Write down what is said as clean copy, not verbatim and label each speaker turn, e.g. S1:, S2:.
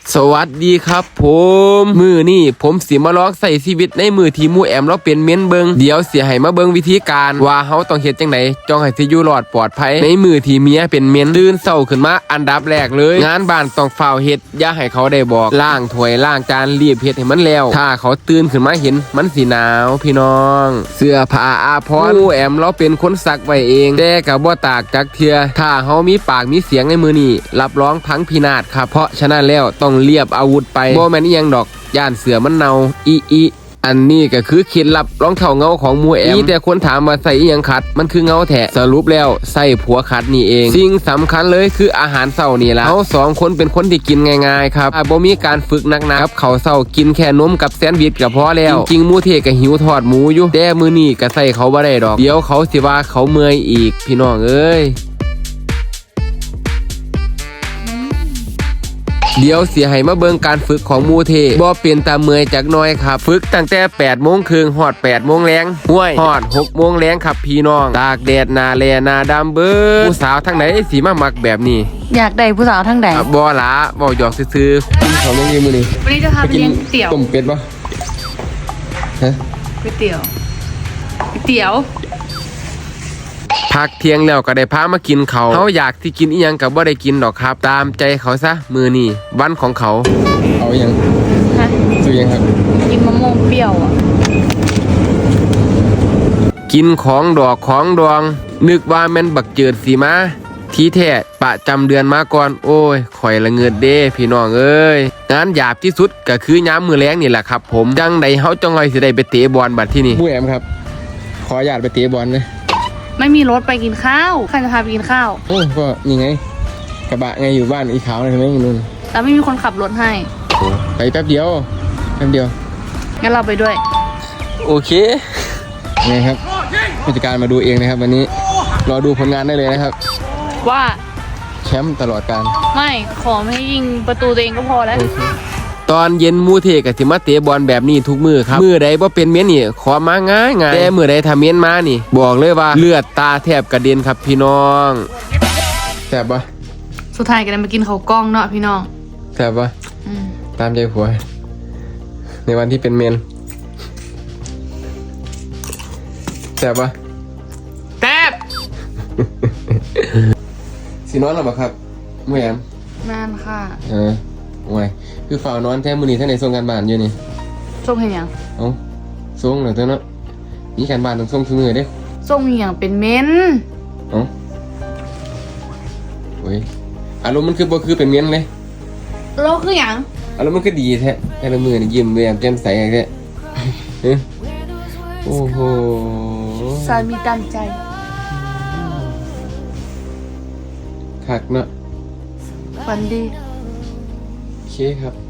S1: สวัสดีครับผมมือนี่ผมสิมาลองใส่ชีวิตในมือที่มูแอมเราเป็นเม้นเบิงเดี๋ยวเสียให้มาเบิงวิธีการว่าเฮาต้องเฮ็ดจังไดจ้องให้สิอยู่รอดปลอดภัยในมือที่เมียเป็นเม้นตื่นเช้าขึ้นมาอันดับแรกเลยงานบ้านต้องฝ้าวเฮ็ดอย่าให้เขาได้บอกล้างถ้วยล้างจานรีบเฮ็ดให้มันแล้วถ้าเขาตื่นขึ้นมาเห็นมันสิหนาวพี่น้องเสื้อผ้าอาภรณ์มูแอมเราเป็นคนซักไว้เองแต่ก็บ่ตากจักเทื่อถ้าเฮามีปากมีเสียงในมือนี่รับรองพังพินาศครับเพราะฉะนั้นแล้วต้องเรียบอาวุธไปบ่แม่นอีหยังดอกย่านเสือมันเนาอีอันนี้ก็คือเคล็ดลับรองเท้าเงาของมูแอมแต่คนถามมาใส่อีหยังขัดมันคือเงาแท้สรุปแล้วใส่ผัวขัดนี่เองสิ่งสำคัญเลยคืออาหารเช้านี่ล่ะเฮา2คนเป็นคนที่กินง่ายๆครับบ่มีการฝึกหนักๆครับข้าวเช้ากินแค่นมกับแซนด์วิชก็พอแล้วจริงๆมูเทก็หิวทอดหมูอยู่แต่มื้อนี้ก็ใส่เขาบ่ได้ดอกเดี๋ยวเขาสิว่าเขาเมื่อยอีกพี่น้องเอ้ยเดี๋ยวเสียให้มาเบิ่งการฝึกของมูเทบ่เป็นตาเมื่อยจักน้อยครับฝึกตั้งแต่8 โมงครึ่งฮอด8 โมงแลงห้วยฮอด6 โมงแลงครับพี่น้องตากแดดหน้าแลหน้าดำเบิดผู้สาวทั้งไหนสิมามักแบบนี้
S2: อยากได้ผู้สาวทั้งใด
S1: บ่หลาบ่หยอกซื่อๆกินข้าวยังอยู่มื้อนี้
S2: วันนี้จะพาไปเลี้ยงเตี๋ยว
S1: ต้มเป็ดบ่ฮะ
S2: ก๋วยเตี๋ยว
S1: พักเที่ยงแล้วก็ได้พามากินเขาเขาอยากที่กินอีหยังกับบ่ได้กินดอกครับตามใจเขาซะมือนี่วันของเขาเอาอีหยัง
S2: ฮะ
S1: ซื้อยังครับ
S2: กินมะม่วงเปรี้ยวอ่ะ
S1: กินของดอกของดองนึกว่าแม่นบักเจิดสีมาที่แท้ประจำเดือนมาก่อนโอ้ยข่อยละเงิดเด้พี่น้องเอ้ยงานหยาบที่สุดก็คือยามมื้อแลงนี่แหละครับผมจังใดเฮาจังไงสิได้ไปเตะบอลบัดที่นี่ผู้แอมครับขอญาตไปเตะบอลนะ
S2: ไม่มีรถไปกินข้าวใครจะพาไปกินข้าว
S1: โอ้ก็นี่ไงกระบะไงอยู่บ้านอีขาวเลยใช่ไหมนู่น
S2: แต่ไม่มีคนขับรถให้
S1: ไปแป๊บเดียว
S2: งั้นเราไปด้วย
S1: โอเคไงครับผู้จัดการมาดูเองนะครับวันนี้รอดูผลงานได้เลยนะครับ
S2: ว่า
S1: แชมป์ตลอดการ
S2: ไม่ขอไม่ให้ยิงประตูตัวเองก็พอแล้ว
S1: ตอนเย็นมูเทกับสิมาเตะบอลแบบนี้ทุกมือครับมือใดบ่เป็นเมียนนี่ขอมาง่ายแต่มือใดถ้าเมียนมานี่บอกเลยว่าเลือดตาแทบกระเด็นครับพี่น้องแซ่บปะ
S2: สุดท้ายก็ได้มากินข้าวกล้องเนาะพี่น้อง
S1: แซ่บปะตามใจผัวในวันที่เป็นเมนแซ่บปะ
S2: แซ่บ
S1: สินอนหรอปะครับมูแอม
S2: นานค่ะ
S1: โอ้ยคือฝ่านอนแท้มือนี้ท่านในส่งการบ้านอยู่นี่
S2: ส่งให้ยัง
S1: ส่งเหรอเจ้าเนาะนี่การบ้านต้องส่งทุกมือเด้
S2: ส่งอย่างเป็นเม้น
S1: โอ้ยอารมณ์มันคือบ่คือเป็นเม้นเลย
S2: เราคืออย่าง
S1: อารมณ์มันคือดีแท้แต่ละมือนี่ยิ้มแย้มแจ่มใสอย่างแท้โอ้โห
S2: สามีตามใจ
S1: คักเนาะ
S2: ฝันดี
S1: โอเคครับ